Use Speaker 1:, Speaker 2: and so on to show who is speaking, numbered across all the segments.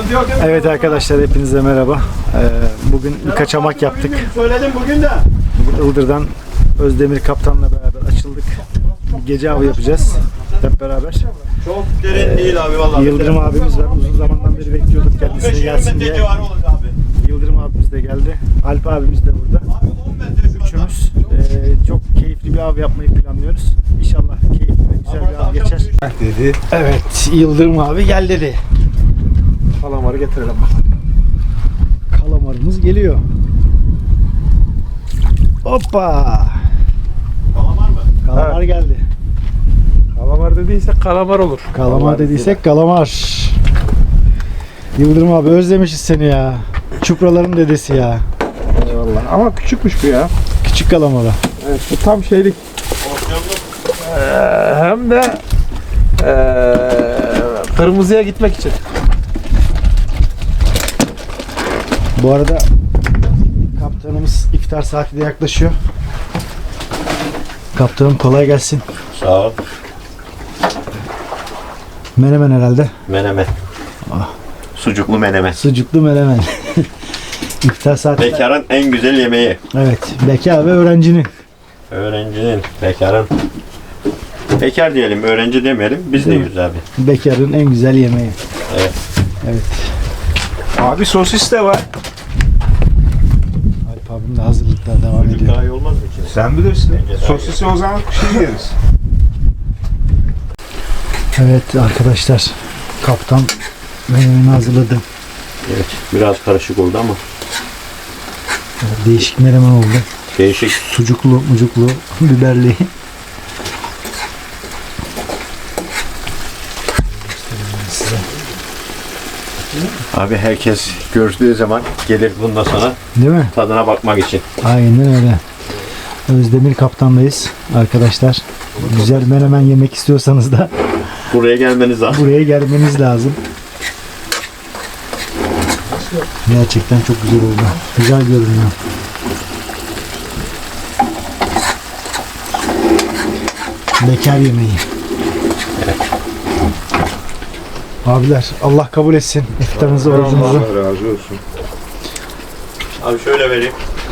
Speaker 1: sıkıntı yok değil mi?
Speaker 2: Evet arkadaşlar, hepinize merhaba. Bugün bir kaçamak yaptık.
Speaker 1: Söyledim bugün de.
Speaker 2: Bugün Ildır'dan Özdemir Kaptan'la beraber açıldık. Bir gece avı yapacağız hep beraber.
Speaker 1: Çok derin değil abi vallahi.
Speaker 2: Yıldırım abimiz var. Uzun zamandan beri bekliyorduk kendisine gelsin diye.
Speaker 1: Var olur abi.
Speaker 2: Yıldırım abimiz de geldi. Alp abimiz de burada.
Speaker 1: Abi 10 metre şu
Speaker 2: Üçümüz çok keyifli bir av yapmayı planlıyoruz. İnşallah keyifli ve güzel bir av geçer.
Speaker 3: Dedi.
Speaker 2: Evet, Yıldırım abi gel dedi.
Speaker 3: Kalamarı getirelim bakalım.
Speaker 2: Kalamarımız geliyor. Hoppa!
Speaker 1: Kalamar mı?
Speaker 2: Kalamar geldi.
Speaker 3: Kalamar dediysek kalamar olur.
Speaker 2: Kalamar dediysek kalamar. Yıldırım abi özlemişiz seni ya. Çupraların dedesi ya.
Speaker 3: Eyvallah. Ama küçükmüş bu ya.
Speaker 2: Küçük kalamara.
Speaker 3: Evet, bu tam şeylik. Hem de kırmızıya gitmek için.
Speaker 2: Bu arada kaptanımız iftar saati de yaklaşıyor. Kaptanım kolay gelsin.
Speaker 1: Sağ ol.
Speaker 2: Menemen herhalde.
Speaker 1: Menemen. Sucuklu menemen.
Speaker 2: Sucuklu menemen. İftar saati.
Speaker 1: Bekarın en güzel yemeği.
Speaker 2: Evet. Bekar ve öğrencinin.
Speaker 1: Öğrencinin, bekarın. Bekar diyelim, öğrenci demeyelim. Biz de yiyoruz abi.
Speaker 2: Bekarın en güzel yemeği.
Speaker 1: Evet.
Speaker 2: Evet.
Speaker 3: Abi sosis de var.
Speaker 2: Alp abim de hazırlıklar devam
Speaker 1: Sucuk
Speaker 2: ediyor.
Speaker 1: daha iyi olmaz mı ki?
Speaker 3: Sen bilirsin.
Speaker 1: Bence daha
Speaker 3: Sosisi o zaman şey yeriz.
Speaker 2: Evet arkadaşlar. Kaptan menemeni hazırladı.
Speaker 1: Evet, biraz karışık oldu ama.
Speaker 2: Değişik menemen oldu.
Speaker 1: Değişik.
Speaker 2: Sucuklu, mucuklu, biberli.
Speaker 1: Abi herkes gördüğü zaman gelir bundan sonra
Speaker 2: Değil mi?
Speaker 1: tadına bakmak için.
Speaker 2: Aynen öyle. Özdemir Kaptan'dayız arkadaşlar. Güzel menemen yemek istiyorsanız da
Speaker 1: Buraya gelmeniz lazım.
Speaker 2: buraya gelmeniz lazım. Gerçekten çok güzel oldu. Güzel görünüyor. Bekar yemeği. Abiler Allah kabul etsin iftarınızı, orucunuzu.
Speaker 3: Allah razı olsun.
Speaker 1: Abi şöyle vereyim.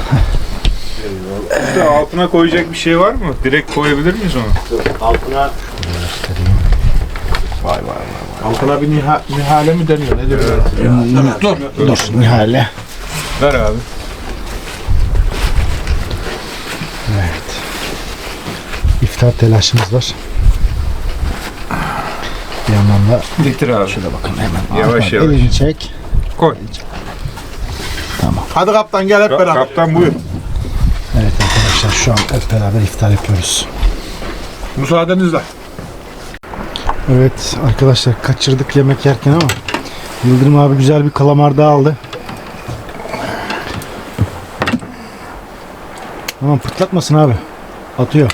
Speaker 3: İşte altına koyacak bir şey var mı? Direkt koyabilir miyiz onu?
Speaker 1: Altına
Speaker 3: Vay vay vay. Altına bir nihale mi deniyor? Ne diyor?
Speaker 2: Dur Nihale.
Speaker 3: Ver abi.
Speaker 2: Evet. İftar telaşımız var. Bir yandan da
Speaker 3: Getir abi.
Speaker 2: şöyle bakın hemen.
Speaker 3: Yavaş
Speaker 2: Ahmet,
Speaker 3: yavaş.
Speaker 2: elini çek.
Speaker 3: Koy.
Speaker 2: Tamam.
Speaker 3: Hadi kaptan gel hep beraber. Kaptan buyur.
Speaker 2: Evet arkadaşlar şu an hep beraber iftar yapıyoruz.
Speaker 3: Müsaadenizle.
Speaker 2: Evet arkadaşlar kaçırdık yemek yerken ama Yıldırım abi güzel bir kalamar daha aldı. Tamam pırtlatmasın abi. Atıyor.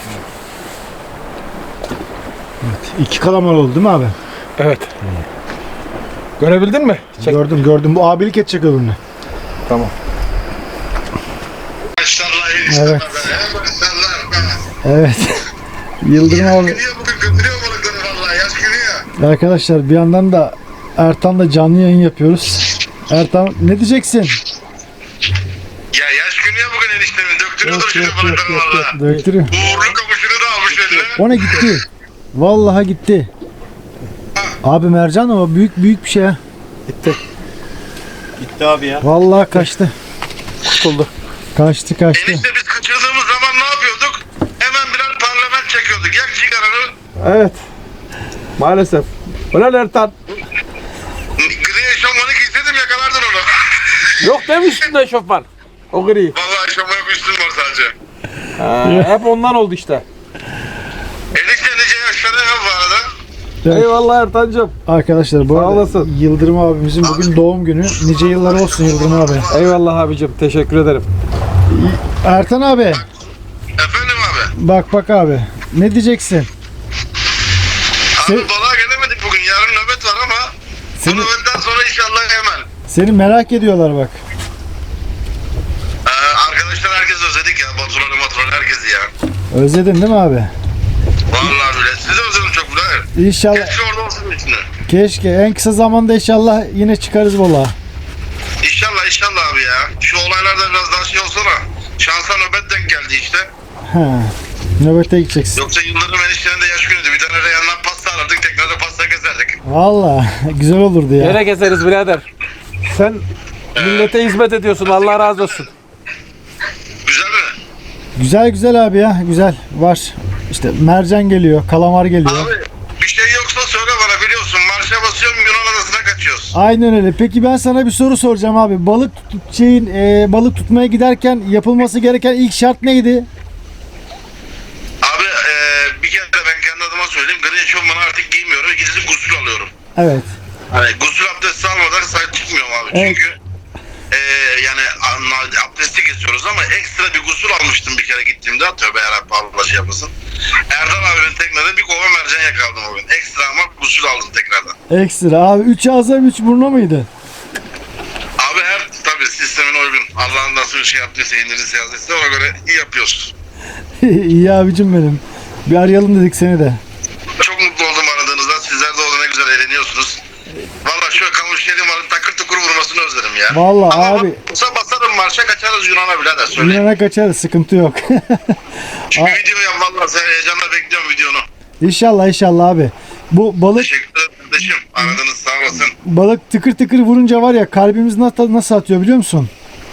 Speaker 2: Evet 2 kalamar oldu değil mi abi?
Speaker 3: Evet. Görebildin mi? Çek.
Speaker 2: Gördüm. Bu abilik edecek öbürüne.
Speaker 3: Tamam.
Speaker 2: Evet. Evet. Yıldırım abi.
Speaker 4: Götürüyor balıkları vallahi yaş gülüyor.
Speaker 2: Arkadaşlar bir yandan da Ertan'la canlı yayın yapıyoruz. Ertan ne diyeceksin?
Speaker 4: Ya yaş gülüyor bugün eniştemin. Döktürüyordur şimdi balıkları valla.
Speaker 2: Döktürüyor.
Speaker 4: Uğurlu kapışını da almış eline.
Speaker 2: O ne gitti? Vallahi gitti. Abi mercan ama büyük bir şey ha.
Speaker 1: gitti abi ya.
Speaker 2: Vallahi kaçtı.
Speaker 3: Kurtuldu.
Speaker 2: Kaçtı.
Speaker 4: Enişte biz kaçırdığımız zaman ne yapıyorduk? Hemen birer parlament çekiyorduk. Yak sigaranı.
Speaker 3: Evet. Maalesef. Ulan Ertan.
Speaker 4: Gri eşofmanı giyseydim yakalardın onu.
Speaker 3: Yok demiştin de eşofman. O gri.
Speaker 4: Vallahi eşofman yok üstüm var sadece.
Speaker 3: Hep ondan oldu işte.
Speaker 4: Enişte nice yaşlara ya bu arada.
Speaker 2: Evet.
Speaker 3: Eyvallah Ertancığım.
Speaker 2: Arkadaşlar bu
Speaker 3: Sağ
Speaker 2: arada
Speaker 3: olasın.
Speaker 2: Yıldırım abimizin bugün doğum günü. Nice yıllar olsun Yıldırım abi.
Speaker 3: Eyvallah abicim. Teşekkür ederim.
Speaker 2: Ertan abi
Speaker 4: Efendim abi.
Speaker 2: bak abi. Ne diyeceksin?
Speaker 4: Abi balığa gelemedik bugün. Yarın nöbet var ama bu nöbetten sonra inşallah hemen.
Speaker 2: Seni merak ediyorlar bak.
Speaker 4: Arkadaşlar herkes özledik ya. Baturan'ı herkesi ya.
Speaker 2: Özledin değil mi abi?
Speaker 4: Vallahi bile. Sizi özledim çok bile.
Speaker 2: İnşallah
Speaker 4: Keşke orada olsun içinde.
Speaker 2: Keşke en kısa zamanda inşallah yine çıkarız valla.
Speaker 4: İnşallah abi ya. Şu olaylarda biraz daha şey olsa da şansa nöbet denk geldi işte.
Speaker 2: He. Nöbete gideceksin.
Speaker 4: Yoksa Yıldırım eniştenin de yaş günüydü. Bir tane Reyhan'dan pasta alırdık, tekrar da pasta keserdik.
Speaker 2: Valla güzel olurdu ya.
Speaker 5: Yine gezeriz birader. Sen millete hizmet ediyorsun. Allah razı olsun.
Speaker 4: Güzel mi?
Speaker 2: Güzel güzel abi ya güzel var. İşte mercan geliyor, kalamar geliyor.
Speaker 4: Abi bir şey yoksa söyle bana, biliyorsun. Marşa basıyorum, Yunan adasına kaçıyoruz.
Speaker 2: Aynen öyle. Peki ben sana bir soru soracağım abi. Balık tutmaya giderken yapılması gereken ilk şart neydi?
Speaker 4: Abi bir kere de ben kendi adıma söyleyeyim. Gri eşofmanı artık giymiyorum. Gidip gusül alıyorum.
Speaker 2: Evet.
Speaker 4: Hani gusül abdesti almadan sahip çıkmıyorum abi.
Speaker 2: Evet.
Speaker 4: Çünkü yani abdesti kesiyoruz ama ekstra bir gusül almıştım bir kere gittiğimde. Tövbe yarabbim, Allah şey yapmasın. Erdal abimin teknede bir kova mercan yakaladım o gün. Ekstra ama gusül aldım tekrardan.
Speaker 2: Ekstra abi. 3 ağza 3 burna mıydı?
Speaker 4: Abi her tabii sistemin uygun. Allah'ın nasıl bir şey yaptıysa, indirirse yazdıysa ona göre iyi yapıyoruz.
Speaker 2: İyi abicim benim. Bir arayalım dedik seni de.
Speaker 4: Çok mutlu oldum aradığınızda. Sizler de orada ne güzel eğleniyorsunuz. Valla şu kamış yedim alın takır tukur vurmasını özledim ya.
Speaker 2: Vallahi
Speaker 4: ama
Speaker 2: abi.
Speaker 4: Ama basarım marşa kaçarız Yunan'a birader söyleyeyim.
Speaker 2: Yunan'a kaçarız, sıkıntı yok.
Speaker 4: Çünkü video yap valla, sen heyecanla bekliyorum videonu.
Speaker 2: İnşallah abi. Bu balık
Speaker 4: Teşekkür ederim kardeşim. Aradınız, sağ olasın.
Speaker 2: balık tıkır tıkır vurunca var ya, kalbimiz nasıl atıyor biliyor musun?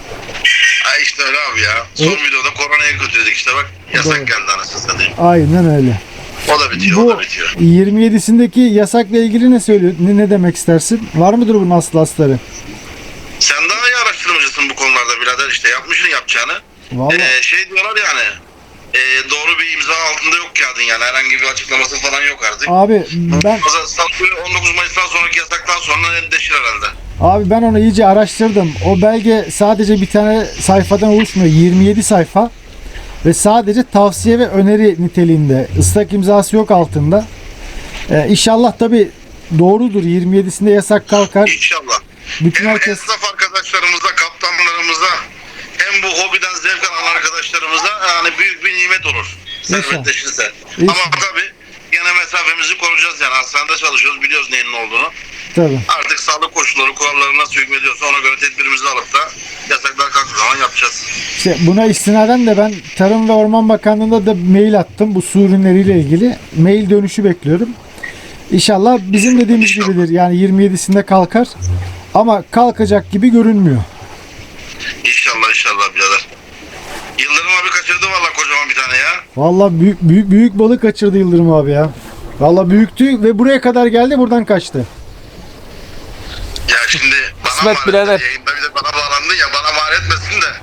Speaker 4: Ha işte öyle abi ya. Son videoda koronayı kötüledik işte bak. Yasak
Speaker 2: Doğru.
Speaker 4: geldi anasını satayım.
Speaker 2: Aynen öyle.
Speaker 4: O da bitiyor, o
Speaker 2: Bu
Speaker 4: da bitiyor.
Speaker 2: 27'sindeki yasakla ilgili ne söylüyor? Ne demek istersin? Var mıdır bunun asları?
Speaker 4: Sen daha iyi araştırmacısın bu konularda birader, işte yapmışsın yapacağını.
Speaker 2: Vallahi.
Speaker 4: Şey diyorlar yani. Doğru bir imza altında yok kağıdın yani. Herhangi bir açıklaması falan yok artık.
Speaker 2: Abi ben
Speaker 4: 19 Mayıs'tan sonraki yasaktan sonra netleşir herhalde.
Speaker 2: ben onu iyice araştırdım. O belge sadece bir tane sayfadan oluşmuyor. 27 sayfa ve sadece tavsiye ve öneri niteliğinde. Islak imzası yok altında. İnşallah tabii doğrudur. 27'sinde yasak kalkar.
Speaker 4: İnşallah.
Speaker 2: Bütün
Speaker 4: Hem
Speaker 2: herkes
Speaker 4: esnaf arkadaşlarımıza, kaptanlarımıza, hem bu hobiden zevk alan arkadaşlarımıza yani büyük bir nimet olur. Servetleşirse.
Speaker 2: İnşallah.
Speaker 4: Ama tabii gene mesafemizi koruyacağız yani. Hastanede çalışıyoruz, biliyoruz neyin ne olduğunu.
Speaker 2: tabii.
Speaker 4: Artık sağlık koşulları, kuralları nasıl hükmediyorsa ona göre tedbirimizi alıp da yasaklar kalktığı zaman yapacağız.
Speaker 2: İşte buna istinaden de ben Tarım ve Orman Bakanlığı'na da mail attım. Bu su ürünleriyle ilgili. Mail dönüşü bekliyorum. İnşallah bizim dediğimiz
Speaker 4: İnşallah.
Speaker 2: gibidir. Yani 27'sinde kalkar. Ama kalkacak gibi görünmüyor.
Speaker 4: İnşallah birader. Yıldırım abi kaçırdı valla kocaman bir tane ya.
Speaker 2: Vallahi büyük balık kaçırdı Yıldırım abi ya. Vallahi büyüktü ve buraya kadar geldi, buradan kaçtı.
Speaker 4: Ya şimdi bana
Speaker 5: Kısmet
Speaker 4: mal
Speaker 5: birader.
Speaker 4: etti, yayında bir de bana bağlandın ya, bana mal etmesin de.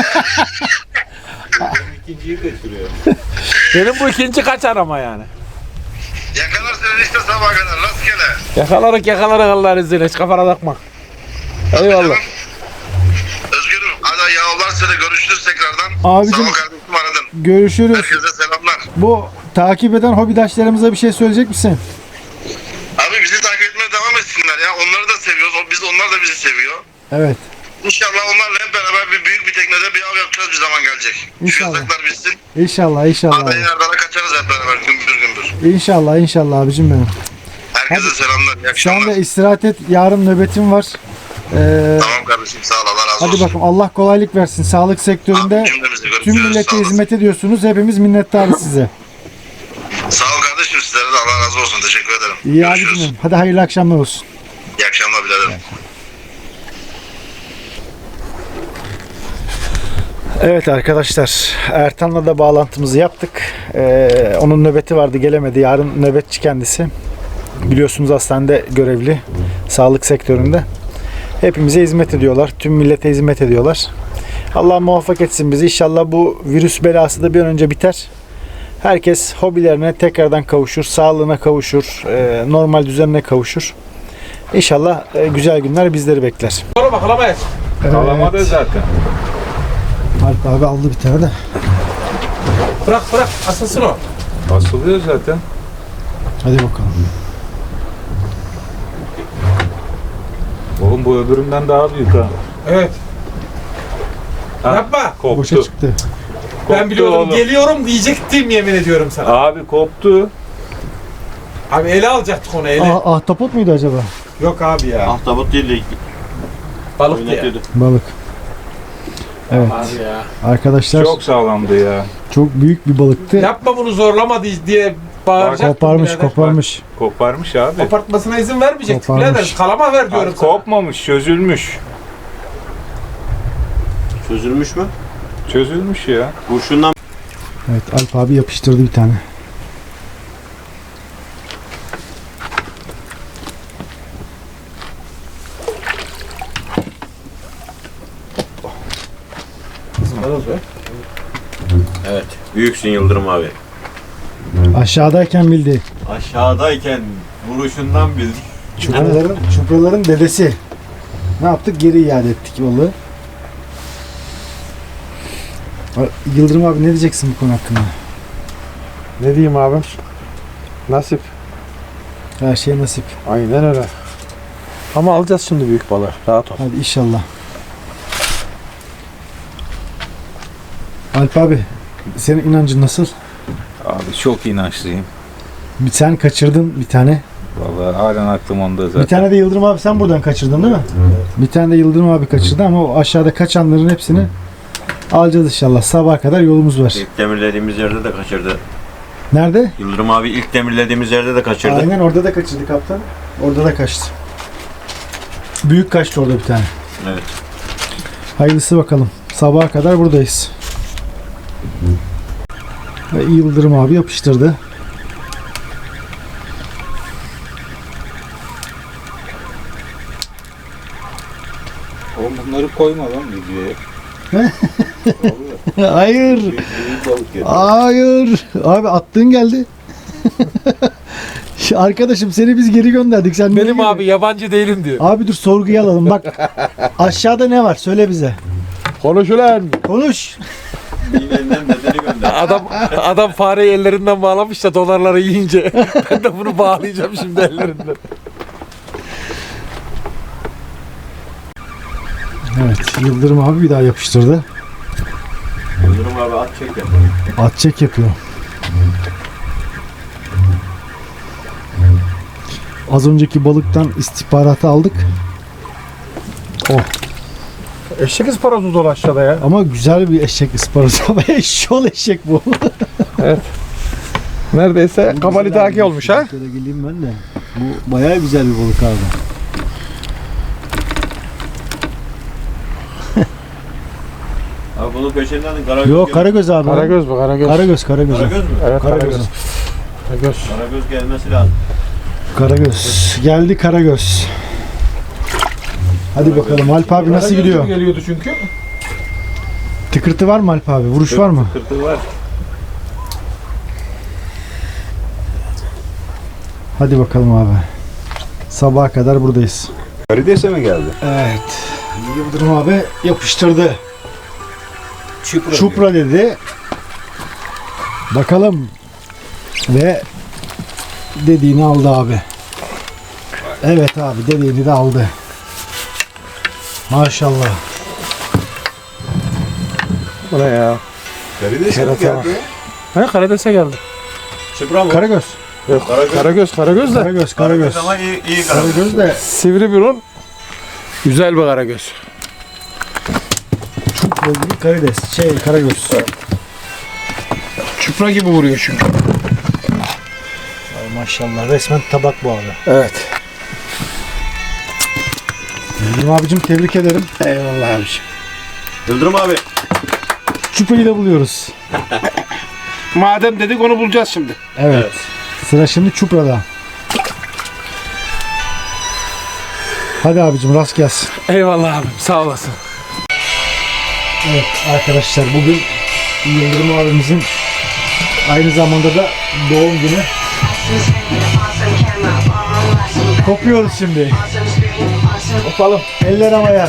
Speaker 1: İkinciyi kaçırıyor.
Speaker 5: Benim bu ikinci kaçar ama yani.
Speaker 4: Yakalar seni işte sabaha kadar rastgele.
Speaker 5: Yakalarız Allah'ın izniyle. Hiç kafana takma. Eyvallah.
Speaker 4: Özgürüm hadi yavrular seni, görüşürüz tekrardan.
Speaker 2: Abicim,
Speaker 4: Sağ ol kardeşim, aradın.
Speaker 2: Görüşürüz.
Speaker 4: Herkese selamlar.
Speaker 2: Bu takip eden hobidaşlarımıza bir şey söyleyecek misin?
Speaker 4: Abi bizi takip etmeye devam etsinler ya. Onları da seviyoruz. Onlar da bizi seviyor.
Speaker 2: Evet.
Speaker 4: İnşallah onlarla hep beraber büyük bir teknede bir av yapacağız, bir zaman gelecek.
Speaker 2: İnşallah.
Speaker 4: Şu yasaklar bitsin.
Speaker 2: İnşallah
Speaker 4: Hadi Erdal'a kaçarız hep beraber gümbür gümbür.
Speaker 2: İnşallah abicim benim.
Speaker 4: Herkese
Speaker 2: Hadi.
Speaker 4: selamlar. İyi
Speaker 2: Sen
Speaker 4: akşamlar.
Speaker 2: de istirahat et. Yarın nöbetim var.
Speaker 4: Tamam kardeşim, sağ ol, Allah razı
Speaker 2: Hadi
Speaker 4: olsun.
Speaker 2: bakalım, Allah kolaylık versin. Sağlık sektöründe
Speaker 4: Abi, cümlemizi görüşürüz.
Speaker 2: tüm
Speaker 4: Sağ
Speaker 2: millete
Speaker 4: olasın.
Speaker 2: hizmet ediyorsunuz. Hepimiz minnettarız size.
Speaker 4: Sağ ol kardeşim, sizlere de Allah razı olsun. Teşekkür ederim.
Speaker 2: İyi
Speaker 4: Görüşürüz.
Speaker 2: abicim. Hadi hayırlı akşamlar olsun.
Speaker 4: İyi akşamlar biraderim.
Speaker 2: Evet arkadaşlar, Ertan'la da bağlantımızı yaptık. Onun nöbeti vardı, gelemedi. Yarın nöbetçi kendisi. Biliyorsunuz hastanede görevli, sağlık sektöründe. Hepimize hizmet ediyorlar, tüm millete hizmet ediyorlar. Allah muvaffak etsin bizi. İnşallah bu virüs belası da bir an önce biter. Herkes hobilerine tekrardan kavuşur, sağlığına kavuşur, normal düzenine kavuşur. İnşallah güzel günler bizleri bekler.
Speaker 5: Sonra bakalamayız.
Speaker 1: Kalamadı zaten.
Speaker 2: Alp abi aldı bir tane de.
Speaker 5: Bırak asılsın o.
Speaker 1: Asılıyor zaten.
Speaker 2: Hadi bakalım.
Speaker 1: Oğlum bu öbüründen daha büyük ha.
Speaker 5: Evet.
Speaker 1: Ha,
Speaker 5: Yapma.
Speaker 1: Koptu.
Speaker 2: Boşa çıktı.
Speaker 5: Ben
Speaker 1: Koptu
Speaker 5: biliyordum,
Speaker 1: oğlum.
Speaker 5: geliyorum diyecektim, yemin ediyorum sana.
Speaker 1: Abi koptu.
Speaker 5: Abi ele alacaktık onu ele.
Speaker 2: Ahtapot muydu acaba?
Speaker 5: Yok abi ya.
Speaker 1: Ahtapot değil de
Speaker 5: Balık diye.
Speaker 1: oynatıyordu.
Speaker 2: Balık. Evet.
Speaker 5: Abi ya.
Speaker 2: Arkadaşlar
Speaker 3: Çok sağlamdı ya.
Speaker 2: çok büyük bir balıktı.
Speaker 5: Yapma bunu zorlama diye bağıracaktım.
Speaker 2: Koparmış,
Speaker 5: birader.
Speaker 2: koparmış.
Speaker 3: Koparmış abi.
Speaker 5: Kopartmasına izin vermeyecektik
Speaker 2: Koparmış.
Speaker 5: birader. Kalama ver diyorum
Speaker 3: Abi
Speaker 5: sana.
Speaker 3: kopmamış, çözülmüş.
Speaker 1: Çözülmüş mü?
Speaker 3: Çözülmüş ya.
Speaker 1: Kurşundan
Speaker 2: Evet, Alp abi yapıştırdı bir tane.
Speaker 1: Evet. Büyüksün Yıldırım abi.
Speaker 2: Aşağıdayken bildi.
Speaker 1: Aşağıdayken vuruşundan bildik.
Speaker 2: Çupraların dedesi. Ne yaptık? Geri iade ettik balığı. Yıldırım abi ne diyeceksin bu konu hakkında?
Speaker 5: Ne diyeyim abim? Nasip.
Speaker 2: Her şey nasip.
Speaker 5: Aynen öyle. Ama alacağız şimdi büyük balığı. Rahat ol.
Speaker 2: Hadi inşallah. Alp abi, senin inancın nasıl?
Speaker 3: Abi çok inançlıyım.
Speaker 2: Sen kaçırdın bir tane.
Speaker 3: Vallahi halen aklım onda zaten.
Speaker 2: Bir tane de Yıldırım abi sen buradan kaçırdın değil mi? Bir tane de Yıldırım abi kaçırdı ama o aşağıda kaçanların hepsini alacağız inşallah. Sabaha kadar yolumuz var.
Speaker 1: İlk demirlediğimiz yerde de kaçırdı.
Speaker 2: Nerede?
Speaker 1: Yıldırım abi ilk demirlediğimiz yerde de kaçırdı.
Speaker 2: Aynen orada da kaçırdı kaptan. Orada da kaçtı. Büyük kaçtı orada bir tane.
Speaker 1: Evet.
Speaker 2: Hayırlısı bakalım. Sabaha kadar buradayız. Ve Yıldırım abi yapıştırdı.
Speaker 3: Oğlum bunları koyma lan videoya.
Speaker 2: Hayır. Hayır. Abi attığın geldi. Arkadaşım seni biz geri gönderdik. Sen
Speaker 5: Benim
Speaker 2: niye
Speaker 5: abi yabancı değilim diyor.
Speaker 2: Abi dur sorguya alalım. Bak aşağıda ne var? Söyle bize.
Speaker 5: Konuş ulan.
Speaker 2: Konuş.
Speaker 1: Benden bedeni gönder.
Speaker 5: Adam fareyi ellerinden bağlamış da dolarları yiyince ben de bunu bağlayacağım şimdi ellerinden.
Speaker 2: Evet. Yıldırım abi bir daha yapıştırdı.
Speaker 1: Yıldırım abi at çek yapalım.
Speaker 2: At çek yapıyor. Az önceki balıktan istihbaratı aldık. Oh.
Speaker 5: Eşek ısparozu dolu aşağıda ya.
Speaker 2: Ama güzel bir eşek ısparası. Ama eşşol eşek bu.
Speaker 5: Neredeyse kabalitaki olmuş ha.
Speaker 2: Şöyle geleyim ben de. Bu bayağı güzel bir balık abi.
Speaker 1: Abi bunun peşinden karagöz.
Speaker 2: Yok karagöz abi.
Speaker 5: Karagöz bu karagöz.
Speaker 2: Karagöz.
Speaker 1: Karagöz mü?
Speaker 5: Evet
Speaker 2: Karagöz.
Speaker 5: karagöz. Karagöz.
Speaker 1: Karagöz gelmesi lazım.
Speaker 2: Karagöz. Geldi karagöz. Hadi bakalım Alp abi nasıl
Speaker 5: Karagöz
Speaker 2: gidiyor?
Speaker 5: geliyordu çünkü.
Speaker 2: Tıkırtı var mı Alp abi? Vuruş var mı?
Speaker 1: Kırtı var.
Speaker 2: Hadi bakalım abi. Sabaha kadar buradayız.
Speaker 3: Karides'e mi geldi?
Speaker 2: Evet. Yıldırım abi yapıştırdı. Çupra dedi. Bakalım. Ve dediğini aldı abi. Evet abi dediğini de aldı. Maşallah.
Speaker 5: Bu ne ya?
Speaker 3: Karides'e mi geldi?
Speaker 5: He Karades'e geldi.
Speaker 1: Çıpra mı?
Speaker 2: Karagöz.
Speaker 5: Yok
Speaker 1: Karagöz.
Speaker 5: Karagöz de.
Speaker 2: Karagöz. Karagöz.
Speaker 1: Ama iyi karagöz.
Speaker 2: Karagöz de
Speaker 5: Sivri burun. Güzel bir karagöz.
Speaker 2: çupra gibi karides. Karagöz.
Speaker 5: Çupra gibi vuruyor çünkü.
Speaker 2: Ay maşallah resmen tabak bu abi.
Speaker 5: Evet.
Speaker 2: Yıldırım abicim tebrik ederim.
Speaker 5: Eyvallah abiciğim.
Speaker 1: Yıldırım abi.
Speaker 2: Çuprayı da buluyoruz.
Speaker 5: Madem dedik onu bulacağız şimdi.
Speaker 2: Evet. Sıra şimdi çuprada. Hadi abicim rast gelsin.
Speaker 5: Eyvallah abim sağ olasın.
Speaker 2: Evet arkadaşlar bugün Yıldırım abimizin aynı zamanda da doğum günü. Kopuyoruz şimdi. Kopalım. Eller havaya.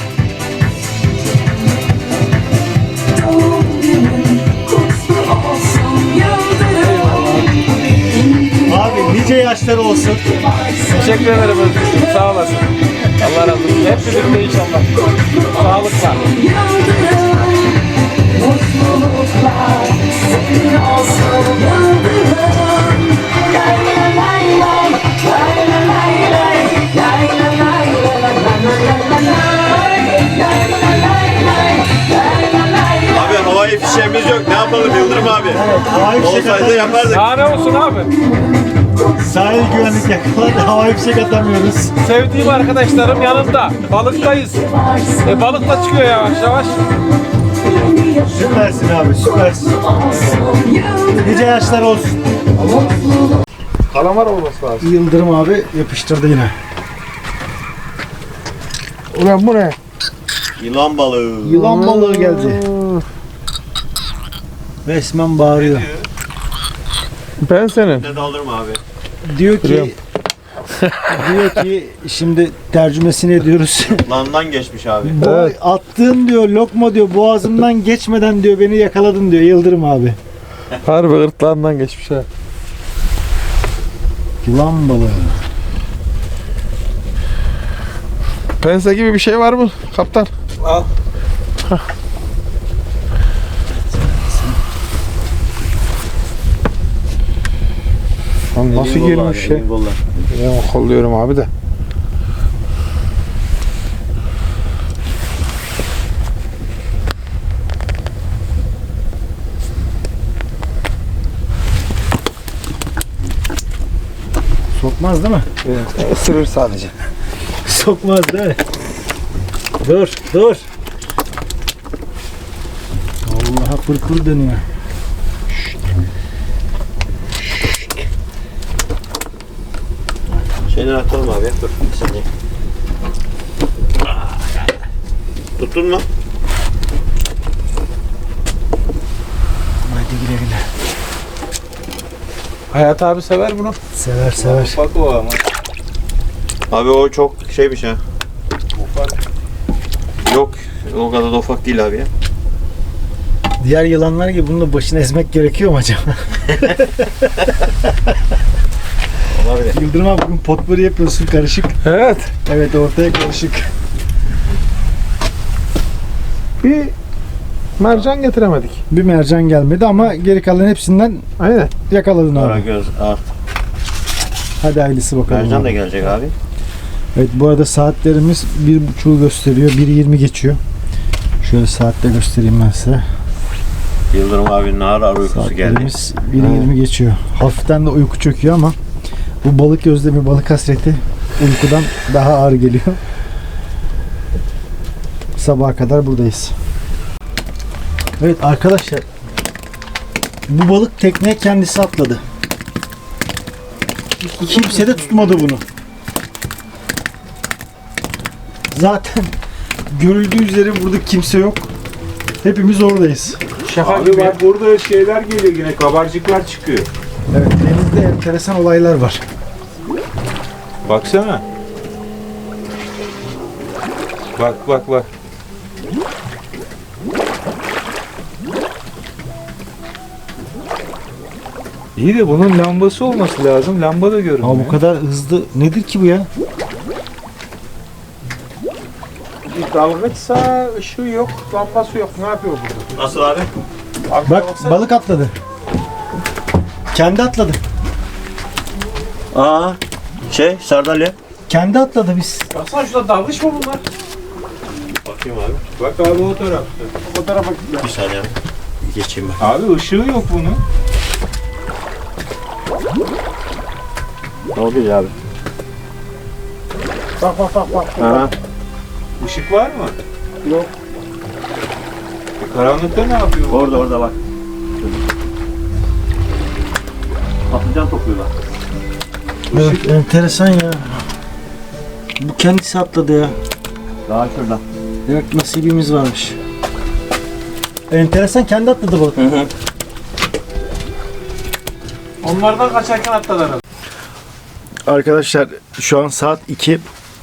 Speaker 2: Abi nice yaşlar olsun.
Speaker 5: Teşekkür ederim Özgür'cüğüm sağ olasın. Allah razı olsun. Hep birlikte inşallah. Sağlıkla.
Speaker 6: Mutluluklar senin olsun yıldırım.
Speaker 1: Abi havai fişeğimiz yok. Ne yapalım Yıldırım abi?
Speaker 2: Havai fişek
Speaker 1: Olsaydı
Speaker 2: atamıyoruz.
Speaker 1: yapardık.
Speaker 5: Daha ne olsun abi?
Speaker 2: Sahil güvenlik yakaladı. Havai fişek atamıyoruz.
Speaker 5: Sevdiğim arkadaşlarım yanımda. Balıktayız. Balık da çıkıyor yavaş yavaş.
Speaker 2: Süpersin abi, süpersin. Nice yaşlar olsun.
Speaker 3: Kalamar olması lazım.
Speaker 2: Yıldırım abi yapıştırdı yine.
Speaker 3: Ulan bu ne?
Speaker 1: Yılan balığı.
Speaker 2: Yılan balığı geldi. Resmen bağırıyor.
Speaker 3: Ben senin.
Speaker 1: Ne daldırma abi.
Speaker 2: Diyor ki şimdi tercümesini ediyoruz.
Speaker 1: Landan geçmiş abi.
Speaker 3: Evet.
Speaker 2: Attığın diyor lokma diyor boğazımdan geçmeden diyor beni yakaladın diyor Yıldırım abi.
Speaker 3: Harbi gırtlağından geçmiş ha.
Speaker 2: Yılan balığı.
Speaker 3: Pense gibi bir şey var mı kaptan?
Speaker 5: Al.
Speaker 3: Lan nasıl girmiş şey? Ya kolluyorum abi de.
Speaker 2: Sokmaz değil mi?
Speaker 3: Isırır sadece.
Speaker 2: Sokmaz değil mi? Dur, dur. Allah'a pırpır dönüyor.
Speaker 1: Şeyden atalım abi. Dur bir saniye. Tuttun mu?
Speaker 2: Haydi güle güle.
Speaker 5: Hayat abi sever bunu.
Speaker 2: Sever sever.
Speaker 5: Bak o ama.
Speaker 1: Abi o çok şey bir şey. Yok. O kadar da ufak değil abi ya.
Speaker 2: Diğer yılanlar gibi bunun da başını ezmek gerekiyor mu acaba?
Speaker 1: Olabilir.
Speaker 2: Yıldırım abi bugün potpourri yapıyorsun karışık.
Speaker 3: Evet.
Speaker 2: Evet ortaya karışık.
Speaker 3: Bir mercan getiremedik.
Speaker 2: Bir mercan gelmedi ama geri kalan hepsinden
Speaker 3: Aynen.
Speaker 2: yakaladın abi.
Speaker 1: Karagöz, al.
Speaker 2: Hadi hayırlısı bakalım.
Speaker 1: Mercan da
Speaker 2: abi.
Speaker 1: gelecek abi.
Speaker 2: Evet bu arada saatlerimiz 1.30'u gösteriyor. 1.20 geçiyor. Şöyle saatte göstereyim ben size.
Speaker 1: Yıldırım abinin ağır ağır uykusu geldi.
Speaker 2: Saatlerimiz 1.20 geçiyor. Hafiften de uyku çöküyor ama bu balık özlemi, balık hasreti uykudan daha ağır geliyor. Sabaha kadar buradayız. Evet arkadaşlar. Bu balık tekneye kendisi atladı. Kimse de tutmadı bunu. Zaten görüldüğü üzere burada kimse yok. Hepimiz oradayız.
Speaker 5: Şaka
Speaker 6: Abi
Speaker 5: gibi.
Speaker 6: bak burada şeyler geliyor yine kabarcıklar çıkıyor.
Speaker 2: Evet denizde enteresan olaylar var.
Speaker 6: Baksana. Bak bak bak. İyi de bunun lambası olması lazım. Lamba da görünmüyor.
Speaker 2: Ama bu kadar hızlı nedir ki bu ya?
Speaker 5: Bir dalgıçsa ışığı yok, lambası yok. Ne yapıyor burada?
Speaker 1: Nasıl abi?
Speaker 5: Abi
Speaker 2: Bak balık atladı. Kendi atladı.
Speaker 1: Aa, sardalya.
Speaker 2: Kendi atladı biz.
Speaker 5: Baksana şurada dalgıç mı bunlar?
Speaker 1: Bakayım abi.
Speaker 6: Bak abi o tarafta.
Speaker 5: O tarafa gidiyor.
Speaker 1: Bir saniye abi. Geçeyim ben.
Speaker 6: Abi ışığı yok bunun.
Speaker 1: Ne oluyor abi?
Speaker 5: Bak bak bak bak.
Speaker 1: Aha.
Speaker 6: Işık var mı?
Speaker 5: Yok.
Speaker 6: Karanlıkta ne yapıyor? bu?
Speaker 1: Orada bak. Patlıcan topluyorlar.
Speaker 2: Evet, enteresan ya. Bu kendisi atladı ya.
Speaker 1: Daha şurada.
Speaker 2: Demek nasibimiz varmış. Enteresan kendi atladı balık.
Speaker 5: Onlardan kaçarken atladılar.
Speaker 2: Arkadaşlar şu an saat 2.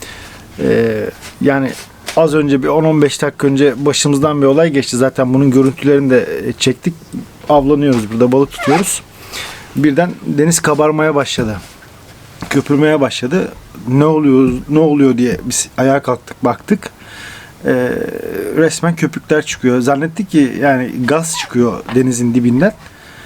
Speaker 2: Yani az önce bir 10-15 dakika önce başımızdan bir olay geçti. Zaten bunun görüntülerini de çektik. Avlanıyoruz burada, balık tutuyoruz. Birden deniz kabarmaya başladı. Köpürmeye başladı. Ne oluyor diye biz ayağa kalktık, baktık. Resmen köpükler çıkıyor. Zannettik ki yani gaz çıkıyor denizin dibinden.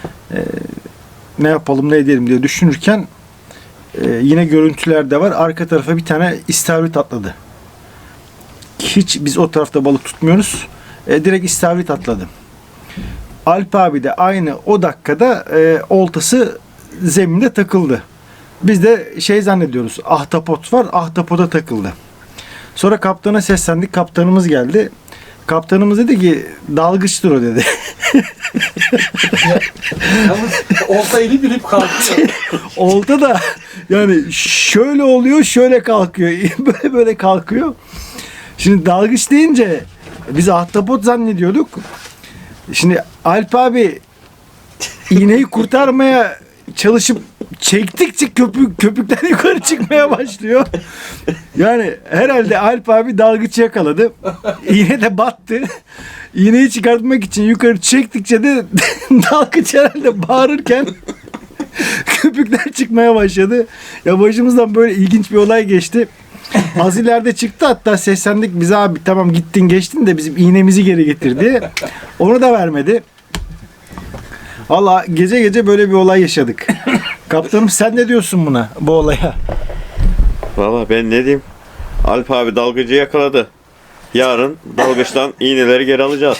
Speaker 2: Ne yapalım ne edelim diye düşünürken yine görüntüler de var. Arka tarafa bir tane istavrit atladı. hiç biz o tarafta balık tutmuyoruz. Direkt istavrit atladı. Alp abi de aynı o dakikada oltası zeminde takıldı. Biz de şey zannediyoruz, ahtapot var, ahtapota takıldı. Sonra kaptana seslendik, kaptanımız geldi. Kaptanımız dedi ki dalgıçtır o dedi.
Speaker 5: Yalnız olta eli bilip kalkıyor.
Speaker 2: Olta da yani şöyle oluyor, şöyle kalkıyor. Böyle böyle kalkıyor. Şimdi dalgıç deyince biz ahtapot zannediyorduk. Şimdi Alp abi iğneyi kurtarmaya çalışıp çektikçe köpükler yukarı çıkmaya başlıyor. Yani herhalde Alp abi dalgıç yakaladı. İğne de battı. İğneyi çıkartmak için yukarı çektikçe de dalgıç herhalde bağırırken köpükler çıkmaya başladı. Ya başımızdan böyle ilginç bir olay geçti. Az ileride çıktı, hatta seslendik bize, abi tamam gittin geçtin de bizim iğnemizi geri getir diye. Onu da vermedi. Valla gece gece böyle bir olay yaşadık. Kaptanım sen ne diyorsun buna, bu olaya?
Speaker 1: Valla ben ne diyeyim? Alp abi dalgıcı yakaladı. Yarın dalgıçtan iğneleri geri alacağız.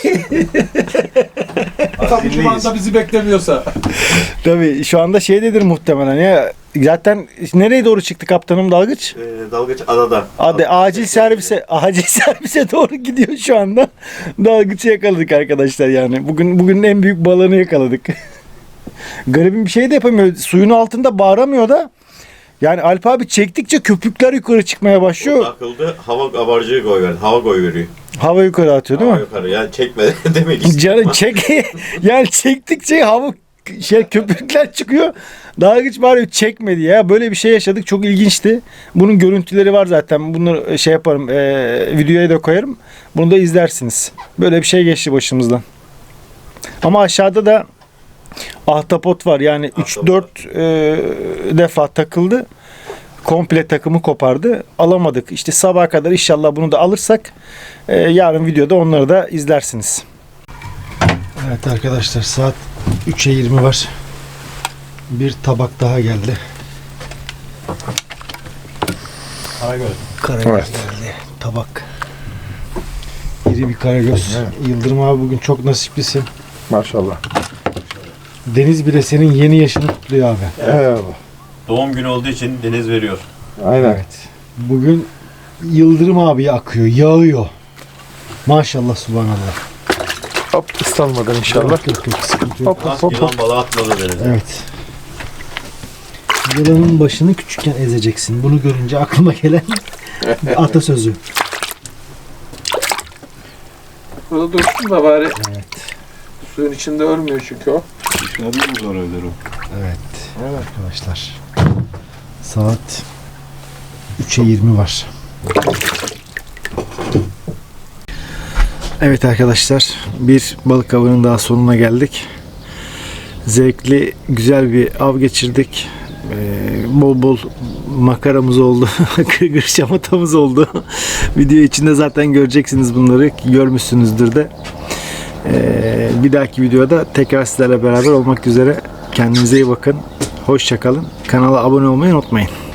Speaker 5: Tabii şu anda bizi beklemiyorsa.
Speaker 2: Tabii şu anda şeydedir muhtemelen ya. Zaten nereye doğru çıktı kaptanım dalgıç?
Speaker 1: Dalgıç adada.
Speaker 2: Acil servise doğru gidiyor şu anda. Dalgıçı yakaladık arkadaşlar yani. Bugünün en büyük balığını yakaladık. Garibim bir şey de yapamıyor. Suyun altında bağıramıyor da. Yani Alp abi çektikçe köpükler yukarı çıkmaya başlıyor.
Speaker 1: Takıldı, hava kabarcığı koyuverdi. Hava koyuveriyor.
Speaker 2: Hava yukarı atıyor değil mi?
Speaker 1: Hava yukarı, yani çekme demek istiyorum.
Speaker 2: Canım yani çektikçe hava köpükler çıkıyor. Dalgıç bari çekmedi ya. Böyle bir şey yaşadık. Çok ilginçti. Bunun görüntüleri var zaten. Bunu şey yaparım. Videoya da koyarım. Bunu da izlersiniz. Böyle bir şey geçti başımızdan. Ama aşağıda da ahtapot var. Yani 3-4 defa takıldı. Komple takımı kopardı. Alamadık. İşte sabaha kadar inşallah bunu da alırsak yarın videoda onları da izlersiniz. Evet arkadaşlar, saat 3'e 20 var. Bir tabak daha geldi. Karagöz geldi. Tabak. İri bir karagöz. Yıldırım abi bugün çok nasiplisin.
Speaker 3: Maşallah.
Speaker 2: Deniz bile senin yeni yaşını kutluyor abi.
Speaker 3: Eyvallah.
Speaker 1: Doğum günü olduğu için deniz veriyor.
Speaker 3: Aynen.
Speaker 2: Evet. Bugün Yıldırım abi akıyor, yağıyor. Maşallah, subhanallah.
Speaker 3: Hop, ıslanmadın inşallah.
Speaker 2: Yok, sıkıntı yok.
Speaker 3: Hop hop hop.
Speaker 1: Yılan balığı atmadı denize.
Speaker 2: Evet. Yılanın başını küçükken ezeceksin. Bunu görünce aklıma gelen bir atasözü.
Speaker 5: Burada dursun da bari.
Speaker 2: Evet.
Speaker 5: Suyun içinde ölmüyor çünkü o.
Speaker 1: Dışarıda mı zor ölür o?
Speaker 2: Evet. Evet arkadaşlar. Saat 3'e 20 var. Evet arkadaşlar, bir balık avının daha sonuna geldik. Zevkli, güzel bir av geçirdik. Bol bol makaramız oldu. Gırgır şamatamız oldu. Video içinde zaten göreceksiniz bunları. Görmüşsünüzdür de. Bir dahaki videoda tekrar sizlerle beraber olmak üzere. Kendinize iyi bakın. Hoşça kalın. Kanala abone olmayı unutmayın.